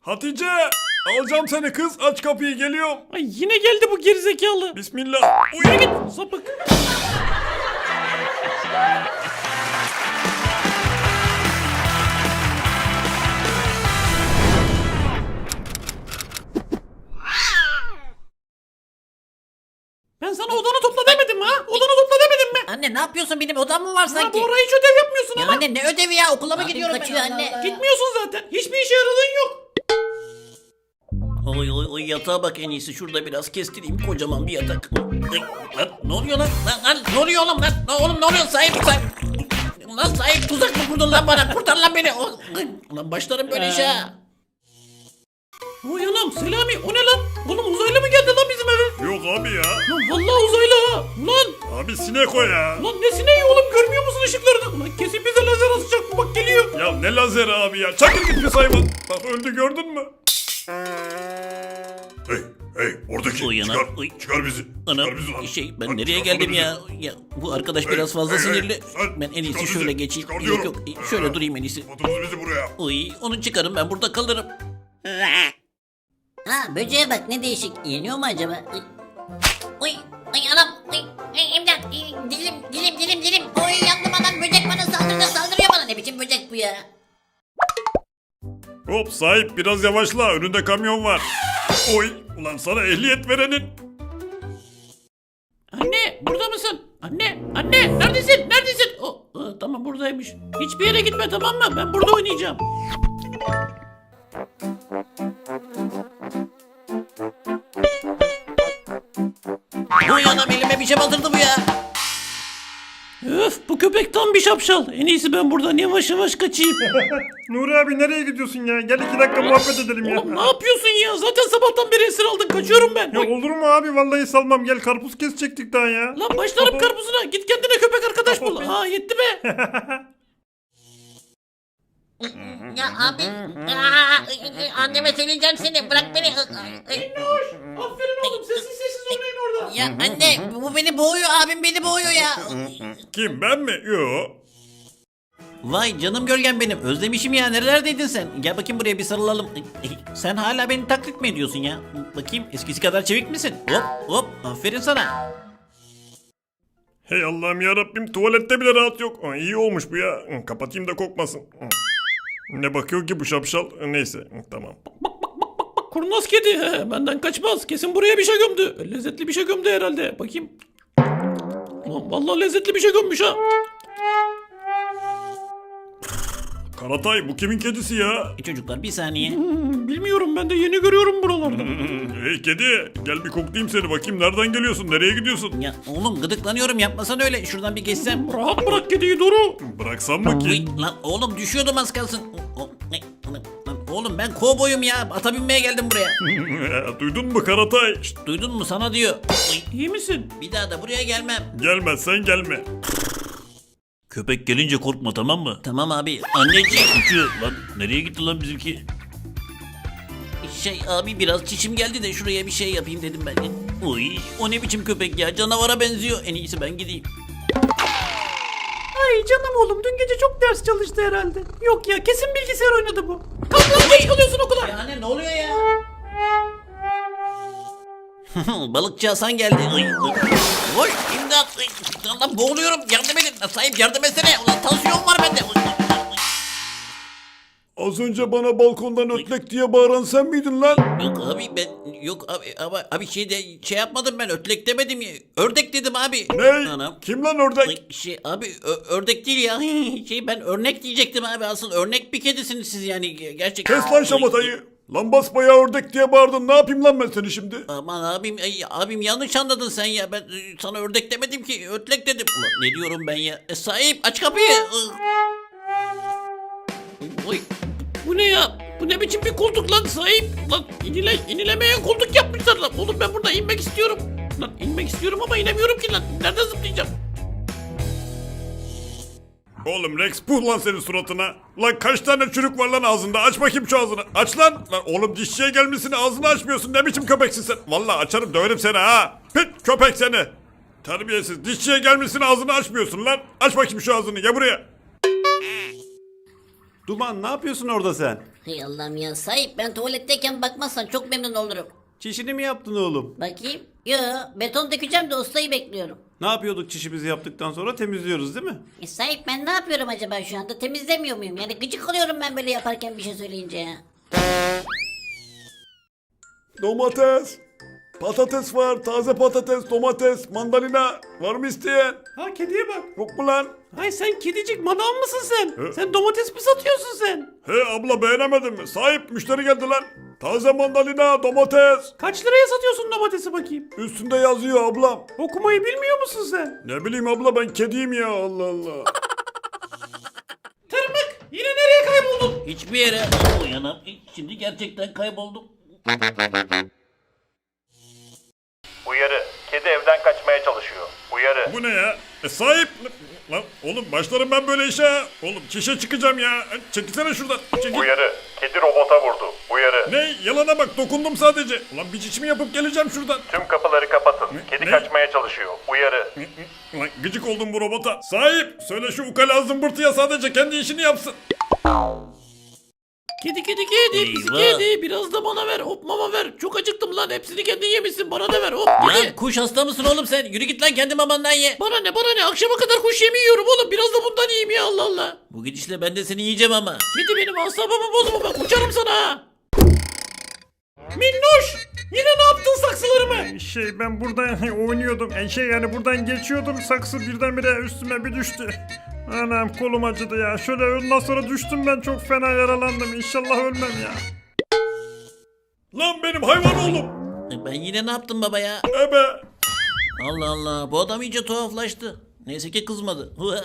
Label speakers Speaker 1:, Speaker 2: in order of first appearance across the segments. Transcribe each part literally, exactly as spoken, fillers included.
Speaker 1: Hatice! Alacağım seni kız. Aç kapıyı, geliyorum.
Speaker 2: Ay yine geldi bu gerizekalı.
Speaker 1: Bismillah.
Speaker 2: Yürü git sapık. Ben sana odanı topla demedim mi ha? Odanı topla demedim mi?
Speaker 3: Anne ne yapıyorsun, benim odam mı var
Speaker 2: Ya
Speaker 3: sanki?
Speaker 2: bu ara hiç ödev yapmıyorsun
Speaker 3: Ya
Speaker 2: ama.
Speaker 3: anne ne ödevi ya, okula mı
Speaker 4: Abim
Speaker 3: gidiyorum ben?
Speaker 4: kaçıyor
Speaker 3: Allah
Speaker 4: anne.
Speaker 3: Allah.
Speaker 2: Gitmiyorsun zaten. Hiçbir işe yaradığın yok.
Speaker 5: Oy oy oy, yatağa bak, en iyisi şurada biraz kestireyim, kocaman bir yatak. Ay, lan, ne oluyor lan? Lan, lan ne oluyor oğlum lan? Lan oğlum ne oluyor? Sahip sahip. Lan sahip, tuzak mı kurdun lan bana? Kurtar lan beni. O- ay, Lan başlarım böyle işe ha.
Speaker 2: Oy anam Selami o ne lan? Oğlum uzaylı mı geldi lan bizim eve?
Speaker 1: Yok abi ya.
Speaker 2: Lan vallahi uzaylı ha. Ulan.
Speaker 1: Abi sinek o ya.
Speaker 2: Lan ne sineği oğlum, görmüyor musun ışıklarını? Ulan kesin bize lazer atacak bu, bak geliyor.
Speaker 1: Ya ne lazeri abi ya. Çakır git pis hayvan. Bak öldü, gördün mü?
Speaker 6: Hey, hey, oradaki
Speaker 5: Uy,
Speaker 6: çıkar,
Speaker 5: anam, uy.
Speaker 6: çıkar bizi.
Speaker 5: Anam
Speaker 6: çıkar bizi lan.
Speaker 5: şey, ben
Speaker 6: Lan
Speaker 5: nereye
Speaker 6: çıkarsana
Speaker 5: geldim
Speaker 6: bizi.
Speaker 5: ya? Ya bu arkadaş
Speaker 6: Hey,
Speaker 5: biraz fazla
Speaker 6: hey, hey,
Speaker 5: sinirli.
Speaker 6: sen
Speaker 5: Ben en iyisi
Speaker 6: çıkar
Speaker 5: şöyle
Speaker 6: bizi,
Speaker 5: geçeyim.
Speaker 6: çıkar
Speaker 5: Yok
Speaker 6: diyorum.
Speaker 5: yok, şöyle durayım en iyisi.
Speaker 6: Atınız bizi buraya.
Speaker 5: Uy, onu çıkarım, ben burada kalırım.
Speaker 4: Ha böceğe bak ne değişik. Yeniyor mu acaba? Ay,
Speaker 3: Uy, ay anam, uy, ay, imdat, ay, dilim, dilim, dilim, dilim. Oy yandım anam, böcek bana saldırdı, saldırıyor bana. Ne biçim böcek bu ya?
Speaker 1: Hop sahip, biraz yavaşla. Önünde kamyon var. Oy. Ulan sana ehliyet verenin.
Speaker 2: Anne burada mısın? Anne, anne neredesin? Neredesin? O, aa, tamam buradaymış. Hiçbir yere gitme, tamam mı? Ben burada oynayacağım.
Speaker 5: Uy anam, elime bir şey batırdı bu ya.
Speaker 2: Öf, bu köpek tam bir şapşal. En iyisi ben buradan yavaş yavaş kaçayım.
Speaker 1: Nuri abi nereye gidiyorsun ya? Gel iki dakika muhabbet edelim ya.
Speaker 2: Oğlum ne yapıyorsun ya? Zaten sabahtan beri esir aldın. Kaçıyorum ben.
Speaker 1: Ya
Speaker 2: Oy.
Speaker 1: olur mu abi? Vallahi salmam. Gel karpuz kesecektik daha ya.
Speaker 2: Lan başlarım karpuzuna. Git kendine köpek arkadaş bul.
Speaker 1: Tamam.
Speaker 2: Aa yetti be.
Speaker 3: Ya abi, aa, anneme söyleyeceğim seni, bırak beni.
Speaker 2: Minnoş. Aferin oğlum. Sessiz sessiz oynayın orada.
Speaker 3: Ya anne, bu beni boğuyor, abim beni boğuyor ya.
Speaker 1: Kim, ben mi? Yo.
Speaker 5: Vay canım gölgem benim, özlemişim ya, nerelerdeydin sen? Gel bakayım buraya, bir sarılalım. Sen hala beni taklit mi ediyorsun ya? Bakayım, eskisi kadar çevik misin? Hop hop, aferin sana.
Speaker 1: Hey Allah'ım ya Rabbim, tuvalette bile rahat yok. Aa, iyi olmuş bu ya. Hı, kapatayım da kokmasın. Hı. Ne bakıyor ki bu şapşal? Neyse, hı, tamam.
Speaker 2: Bak kurnaz kedi. He, benden kaçmaz. Kesin buraya bir şey gömdü. Lezzetli bir şey gömdü herhalde. Bakayım. Ulan vallahi lezzetli bir şey gömmüş ha.
Speaker 1: Karatay, bu kimin kedisi ya?
Speaker 5: E çocuklar bir saniye.
Speaker 2: Hmm, bilmiyorum, ben de yeni görüyorum buralarda.
Speaker 1: Hey kedi, gel bir koklayayım seni, bakayım nereden geliyorsun, nereye gidiyorsun?
Speaker 5: Ya oğlum, gıdıklanıyorum, yapmasan öyle. Şuradan bir geçsem.
Speaker 2: Rahat bırak kediyi Doru.
Speaker 1: Bıraksam mı
Speaker 5: Uy,
Speaker 1: ki?
Speaker 5: lan oğlum düşüyordum az kalsın. O- o- ne- lan- lan oğlum ben kovboyum ya. Ata binmeye geldim buraya.
Speaker 1: Duydun mu Karatay? Şşt,
Speaker 5: Duydun mu, sana diyor. Uy,
Speaker 2: İyi misin?
Speaker 5: bir daha da buraya gelmem.
Speaker 1: gelmezsen gelme.
Speaker 5: Köpek gelince korkma, tamam mı? Tamam abi. Anneciğim. Uçuyor. Lan nereye gitti lan bizimki? Şey abi, biraz çişim geldi de şuraya bir şey yapayım dedim ben. Uy, o ne biçim köpek ya, canavara benziyor. En iyisi ben gideyim.
Speaker 2: Ay canım oğlum, dün gece çok ders çalıştı herhalde. Yok ya, kesin bilgisayar oynadı bu. Kalk lan, geç kalıyorsun okula.
Speaker 5: Ya anne ne oluyor ya? Balıkçı Hasan geldi. Ay, ay. Oy imdat. Ay, Allah boğuluyorum. Yardım edin. Sahip yardım etsene. Ulan tansiyon var bende. Ay, ay, ay.
Speaker 1: Az önce bana balkondan ötlek diye bağıran sen miydin lan?
Speaker 5: Yok abi ben yok abi ama abi şey de şey yapmadım, ben ötlek demedim ya. Ördek dedim abi.
Speaker 1: Ne?
Speaker 5: Anam.
Speaker 1: Kim lan ördek?
Speaker 5: Ay, şey abi ö- ördek değil ya. Şey ben örnek diyecektim abi. Asıl örnek bir kedisiniz siz yani gerçekten.
Speaker 1: Kes lan şamatayı. Lan basbayağı ördek diye bağırdın. Ne yapayım lan ben seni şimdi?
Speaker 5: Aman abim, ay, abim yanlış anladın sen ya. Ben e, sana ördek demedim ki, ötlek dedim. Ulan ne diyorum ben ya? E, sahip aç kapıyı. Oy.
Speaker 2: Bu ne ya? Bu ne biçim bir koltuk lan sahip? Lan inile, inilemeyen koltuk yapmışlar lan. Oğlum ben burada inmek istiyorum. Lan inmek istiyorum ama inemiyorum ki lan. Nereden zıplayacağım?
Speaker 1: Oğlum Rex, puh lan senin suratına. Lan kaç tane çürük var lan ağzında? Aç bakayım şu ağzını. Aç lan. Lan oğlum dişçiye gelmişsin, ağzını açmıyorsun. Ne biçim köpeksin sen? Vallahi açarım, döverim seni ha. Pit köpek seni. Terbiyesiz. Dişçiye gelmişsin, ağzını açmıyorsun lan. Aç bakayım şu ağzını. Gel buraya.
Speaker 7: Duman, ne yapıyorsun orada sen?
Speaker 4: Hey Allah'ım ya sahip ben tuvaletteyken bakmazsan çok memnun olurum.
Speaker 7: Çişini mi yaptın oğlum?
Speaker 4: Bakayım. Yo beton dökeceğim de ustayı bekliyorum.
Speaker 7: Ne yapıyorduk çişimizi yaptıktan sonra temizliyoruz değil mi?
Speaker 4: E sahip ben ne yapıyorum acaba şu anda temizlemiyor muyum? Yani gıcık oluyorum ben böyle yaparken bir şey söyleyince ya.
Speaker 1: Domates. Patates var. Taze patates, domates, mandalina. Var mı isteyen?
Speaker 7: Ha kediye bak.
Speaker 1: Yok mu lan?
Speaker 7: Ay sen kedicik manav mısın sen?
Speaker 1: He?
Speaker 7: Sen domates mi satıyorsun sen?
Speaker 1: He abla beğenemedin mi? Sahip müşteri geldi lan. Taze mandalina, domates.
Speaker 7: Kaç liraya satıyorsun domatesi bakayım?
Speaker 1: Üstünde yazıyor ablam.
Speaker 7: Okumayı bilmiyor musun sen?
Speaker 1: Ne bileyim abla ben kediyim ya Allah Allah.
Speaker 7: Tırmık yine nereye kayboldun?
Speaker 5: Hiçbir yere. Uyanam. Şimdi gerçekten kayboldum.
Speaker 8: Uyarı. Kedi evden kaçmaya çalışıyor. Uyarı.
Speaker 1: Bu ne ya? E sahip. Lan oğlum başlarım ben böyle işe. ha. Oğlum çişe çıkacağım ya. E, Çekilsene şuradan. Çekil.
Speaker 8: Uyarı. Kedi robota vurdu. Uyarı.
Speaker 1: Ne? Yalana bak dokundum sadece. Ulan bir çişimi yapıp geleceğim şuradan.
Speaker 8: Tüm kapıları kapatın. Kedi
Speaker 1: Ne?
Speaker 8: kaçmaya çalışıyor. Uyarı.
Speaker 1: Ulan gıcık oldum bu robota. Sahip söyle şu ukala zımbırtıya sadece kendi işini yapsın.
Speaker 2: Kedi kedi kedi pisi
Speaker 5: Eyvah.
Speaker 2: kedi biraz da bana ver hop mama ver. Çok acıktım lan hepsini kendin yemişsin bana da ver hop
Speaker 5: Lan
Speaker 2: kedi.
Speaker 5: kuş hasta mısın oğlum sen? Yürü git lan kendi mamandan ye.
Speaker 2: Bana ne bana ne akşama kadar kuş yemi yiyorum oğlum biraz da bundan yiyeyim ya Allah Allah.
Speaker 5: Bu gidişle ben de seni yiyeceğim ama.
Speaker 2: Kedi benim asabımı bozma bak uçarım sana ha. Minnoş yine ne yaptın saksılarımı?
Speaker 1: Şey ben burada oynuyordum. E, şey yani buradan geçiyordum. Saksı birdenbire üstüme bir düştü. Anam kolum acıdı ya. Şöyle ondan sonra düştüm ben çok fena yaralandım. İnşallah ölmem ya. Lan benim hayvan oğlum.
Speaker 5: E, Ben yine ne yaptım baba ya?
Speaker 1: Ebe.
Speaker 5: Allah Allah bu adam iyice tuhaflaştı. Neyse ki kızmadı. Hua.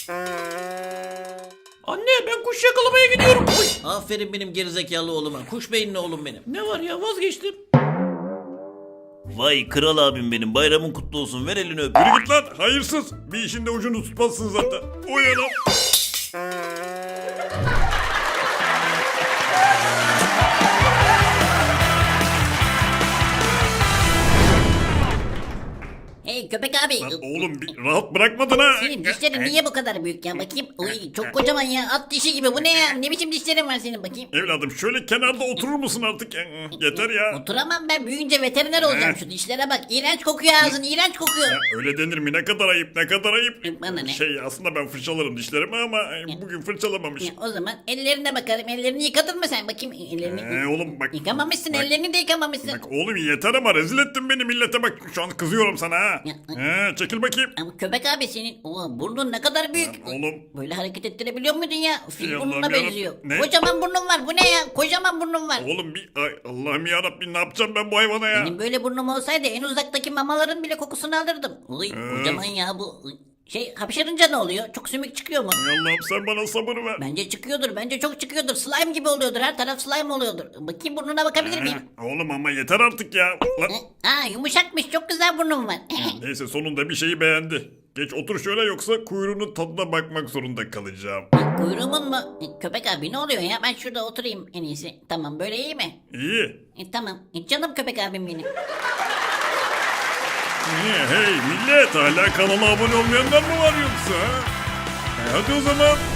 Speaker 2: Anne ben kuş yakalamaya gidiyorum. Oy.
Speaker 5: Aferin benim gerizekalı oğluma. Kuş beyinli oğlum benim.
Speaker 2: Ne var ya vazgeçtim.
Speaker 5: Vay kral abim benim. Bayramın kutlu olsun. Ver elini öp.
Speaker 1: Yürü git lan hayırsız. Bir işin de ucunu tutmazsın zaten. Uyanım.
Speaker 4: Hey köpek abi.
Speaker 1: Lan oğlum bir rahat bırakmadın ha.
Speaker 4: Senin dişlerin niye bu kadar büyük ya bakayım. Uy çok kocaman ya at dişi gibi bu ne ya ne biçim dişlerin var senin bakayım.
Speaker 1: Evladım şöyle kenarda oturur musun artık? Yeter ya.
Speaker 4: Oturamam ben büyüyünce veteriner olacağım şu dişlere bak. İğrenç kokuyor ağzın iğrenç kokuyor.
Speaker 1: Ya öyle denir mi? Ne kadar ayıp, ne kadar ayıp.
Speaker 4: Bana ne?
Speaker 1: Şey aslında ben fırçalarım dişlerimi ama bugün fırçalamamış.
Speaker 4: Ya, o zaman ellerine bakarım ellerini yıkadın mı sen bakayım ellerini.
Speaker 1: Ee, oğlum bak.
Speaker 4: Yıkamamışsın
Speaker 1: bak,
Speaker 4: ellerini de yıkamamışsın.
Speaker 1: Bak oğlum yeter ama rezil ettin beni millete bak. Şu an kızıyorum sana ha.
Speaker 4: Ya,
Speaker 1: He, çekil bakayım.
Speaker 4: Ama köpek abi senin o burnun ne kadar büyük.
Speaker 1: Oğlum.
Speaker 4: Böyle hareket ettirebiliyor muydun ya? Fil
Speaker 1: Ey
Speaker 4: burnuna
Speaker 1: Allah'ım yarabbim.
Speaker 4: benziyor.
Speaker 1: Ne?
Speaker 4: Kocaman burnun var. Bu ne ya? Kocaman burnun var.
Speaker 1: Oğlum bir ay Allah'ım yarabbim ne yapacağım ben bu hayvana ya?
Speaker 4: Benim böyle burnum olsaydı en uzaktaki mamaların bile kokusunu alırdım. Uy
Speaker 1: Ee.
Speaker 4: kocaman ya bu. Şey hapşırınca ne oluyor? Çok sümük çıkıyor mu?
Speaker 1: Ay Allah'ım sen bana sabır ver.
Speaker 4: Bence çıkıyordur. Bence çok çıkıyordur. Slime gibi oluyordur. Her taraf slime oluyordur. Bakayım burnuna bakabilir miyim?
Speaker 1: He, oğlum ama yeter artık ya. Lan,
Speaker 4: Aa yumuşakmış. Çok güzel burnum var.
Speaker 1: neyse sonunda bir şeyi beğendi. Geç otur şöyle yoksa kuyruğunun tadına bakmak zorunda kalacağım.
Speaker 4: Kuyruğumun mu? E, Köpek abi ne oluyor ya? Ben şurada oturayım en iyisi. Tamam böyle iyi mi?
Speaker 1: İyi.
Speaker 4: E, tamam. E, canım köpek abim benim.
Speaker 1: Niye? Hey millet hala kanala abone olmayanlar mı var yoksa? ha? E, hadi o zaman